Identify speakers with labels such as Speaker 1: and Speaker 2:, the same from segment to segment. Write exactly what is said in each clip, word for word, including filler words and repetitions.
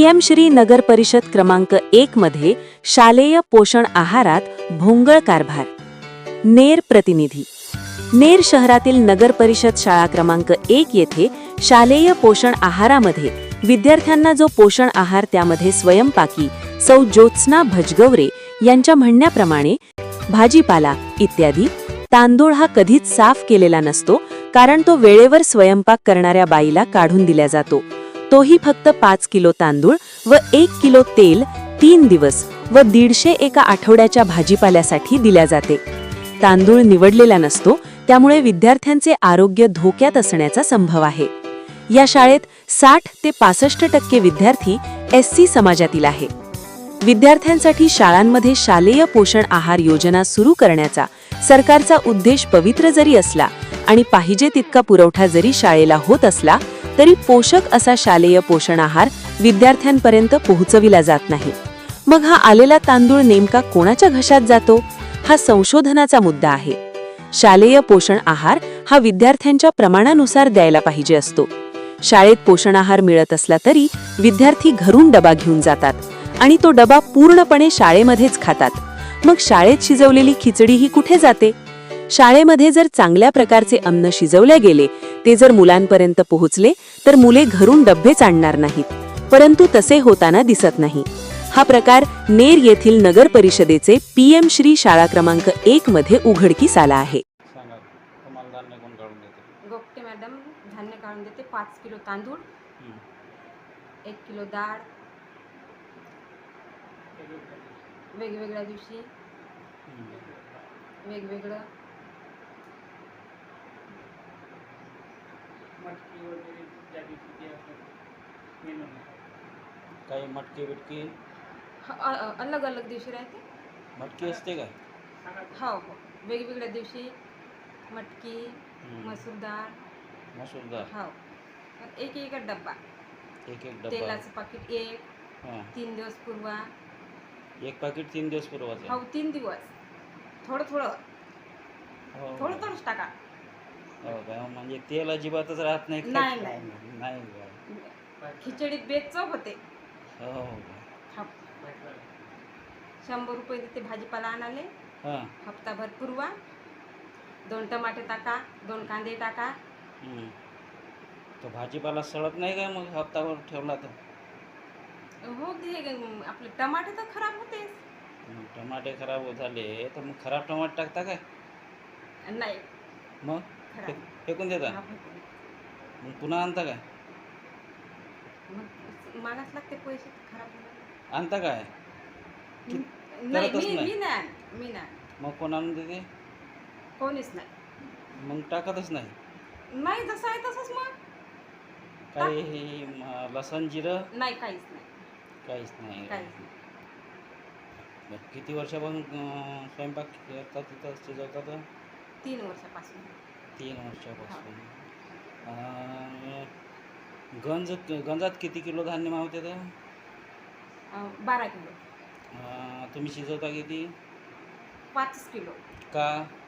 Speaker 1: PM Shri नगर परिषद क्रमांक एक मध्ये शालेय पोषण आहारात भोंगळ कारभार. नेर प्रतिनिधी. नेर शहरातील नगर परिषद शाळा क्रमांक एक येथे शालेय पोषण आहारामध्ये विद्यार्थ्यांना जो पोषण आहार त्यामध्ये स्वयंपाकी सौ ज्योत्स्ना भजगवरे यांच्या म्हणण्याप्रमाणे भाजीपाला इत्यादी तांदूळ हा कधीच साफ केलेला नसतो, कारण तो वेळेवर स्वयंपाक करणाऱ्या बाईला काढून दिला जातो. तोही फक्त पाच किलो तांदूळ व एक किलो तेल तीन दिवस व दीडशे एका आठवड्याच्या भाजीपाल्यासाठी दिल्या जाते. तांदूळ निवडलेला नसतो, त्यामुळे विद्यार्थ्यांचे आरोग्य धोक्यात असण्याचा संभव आहे. या शाळेत साठ ते पासष्ट टक्के विद्यार्थी एससी समाजातील आहे. विद्यार्थ्यांसाठी शाळांमध्ये शालेय पोषण आहार योजना सुरू करण्याचा सरकारचा उद्देश पवित्र जरी असला आणि पाहिजे तितका पुरवठा जरी शाळेला होत असला, तरी पोषक असा शालेय पोषण आहार विद्यार्थ्यांपर्यंत पोहोचविला जात नाही. मग हा आलेला तांदूळ नेमका कोणाच्या घशात जातो, हा संशोधनाचा मुद्दा आहे. शालेय पोषण आहार हा विद्यार्थ्यांच्या प्रमाणानुसार द्यायला पाहिजे असतो. शाळेत पोषण आहार मिळत असला तरी विद्यार्थी घरून डबा घेऊन जातात आणि तो डबा पूर्णपणे शाळेमध्येच खातात. मग शाळेत शिजवलेली खिचडी ही कुठे जाते? शाळेमध्ये जर चांगल्या प्रकारचे अन्न शिजवले गेले, ते जर मुलांपर्यंत पोहोचले, तर मुले घरून डब्बेच आणणार नाहीत. परंतु तसे होताना दिसत नाही. हा प्रकार नेर येथील नगर परिषदेचे पीएम श्री शाळा क्रमांक एक मध्ये उघडकीस आला आहे.
Speaker 2: गोपटे मॅडम धान्य काढून देते. पाच किलो तांदूळ, एक किलो डाळ, वेगवेगळ्या दिवशी वेगवेगळं
Speaker 3: मटकी वगैरे ज्या दिवशी ते असतात मेनू काही मटकी बिटकी
Speaker 2: अलग अलग दिवशी राहते.
Speaker 3: मटकी असते का?
Speaker 2: हो हो वेगवेगळ्या दिवशी मटकी, मसूर डाळ,
Speaker 3: मसूर डाळ,
Speaker 2: हो एक एक डब्बा,
Speaker 3: एक एक डब्बा,
Speaker 2: तेलाचं पाकिट एक,
Speaker 3: हां
Speaker 2: तीन दिवस पूर्वा,
Speaker 3: एक पाकिट तीन दिवस पुरवायचं.
Speaker 2: हो तीन दिवस थोडं थोडं
Speaker 3: हो
Speaker 2: थोडं थोडंच टाका.
Speaker 3: हो का? म्हणजे तेल अजिबातच राहत नाही?
Speaker 2: नाही नाही
Speaker 3: नाही का?
Speaker 2: खिचडीत बेचव होते.
Speaker 3: हो हो
Speaker 2: हो शंभर रुपये देते भाजीपाला आणाले.
Speaker 3: हां
Speaker 2: हप्ताभर पुरवा. दोन टमाटे टाका, दोन कांदे टाका.
Speaker 3: तो भाजीपाला सडत नाही का मग हप्ताभर ठेवला तर?
Speaker 2: हो ते आपले टमाटे तर खराब होतेच.
Speaker 3: टमाटे खराब झाले तर मग खराब टमाटे टाकता काय?
Speaker 2: नाही
Speaker 3: मग
Speaker 2: खराब
Speaker 3: फेकून देता? मग पुन्हा आणता काय?
Speaker 2: मग मागास लागते पैसे खराब
Speaker 3: आणता काय?
Speaker 2: नाही
Speaker 3: करतच
Speaker 2: मी
Speaker 3: नाही.
Speaker 2: मी नाही मी नाही
Speaker 3: मग कोण आणून देते?
Speaker 2: कोणीच नाही.
Speaker 3: मग टाकतच नाही?
Speaker 2: नाही जसं आहे तसंच. मग
Speaker 3: काही म- लसण जिरं
Speaker 2: नाही काहीच नाही
Speaker 3: काहीच नाही.
Speaker 2: काहीच नाही.
Speaker 3: बरं, किती वर्षापासून अं, स्वयंपाक करतात तिथं शिजवतात?
Speaker 2: तीन वर्षापासून.
Speaker 3: तीन वर्षापासून. अं, गंज गंजात किती किलो धान्य मावते तर?
Speaker 2: अं, बारा किलो.
Speaker 3: अं, तुम्ही शिजवता किती?
Speaker 2: पाच किलो.
Speaker 3: का?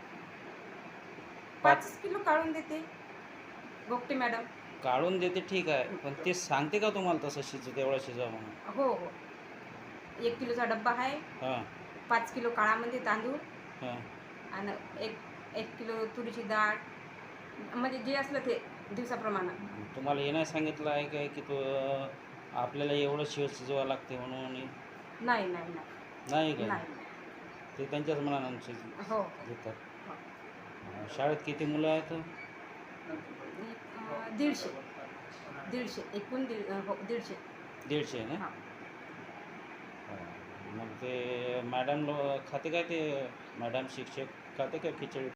Speaker 2: पाच किलो काढून देते गोपटे मॅडम.
Speaker 3: काढून देते ठीक आहे, पण ते सांगते का तुम्हाला तसं शिज तेवढं शिजवा म्हणून?
Speaker 2: हो हो एक किलोचा डब्बा आहे.
Speaker 3: हां
Speaker 2: पाच किलो काळामध्ये तांदूळ
Speaker 3: हां
Speaker 2: आणि एक एक किलो तुरीची डाळ, म्हणजे जे असलं ते दिवसाप्रमाणे.
Speaker 3: तुम्हाला हे नाही सांगितलं आहे काय की तो आपल्याला एवढं शिव शिजवावं लागते म्हणून?
Speaker 2: नाही नाही नाही
Speaker 3: नाही काय?
Speaker 2: नाही.
Speaker 3: ते त्यांच्याच मनानं शिज
Speaker 2: हो
Speaker 3: देतात.
Speaker 2: हो.
Speaker 3: अं, शाळेत किती मुलं आहेत?
Speaker 2: अं, दीडशे दीडशे एकूण दीड हो दीडशे.
Speaker 3: दीडशे ना?
Speaker 2: हां
Speaker 3: हां. मग ते मॅडम लो खाते काय ते मॅडम शिक्षक खाते का खिचडी?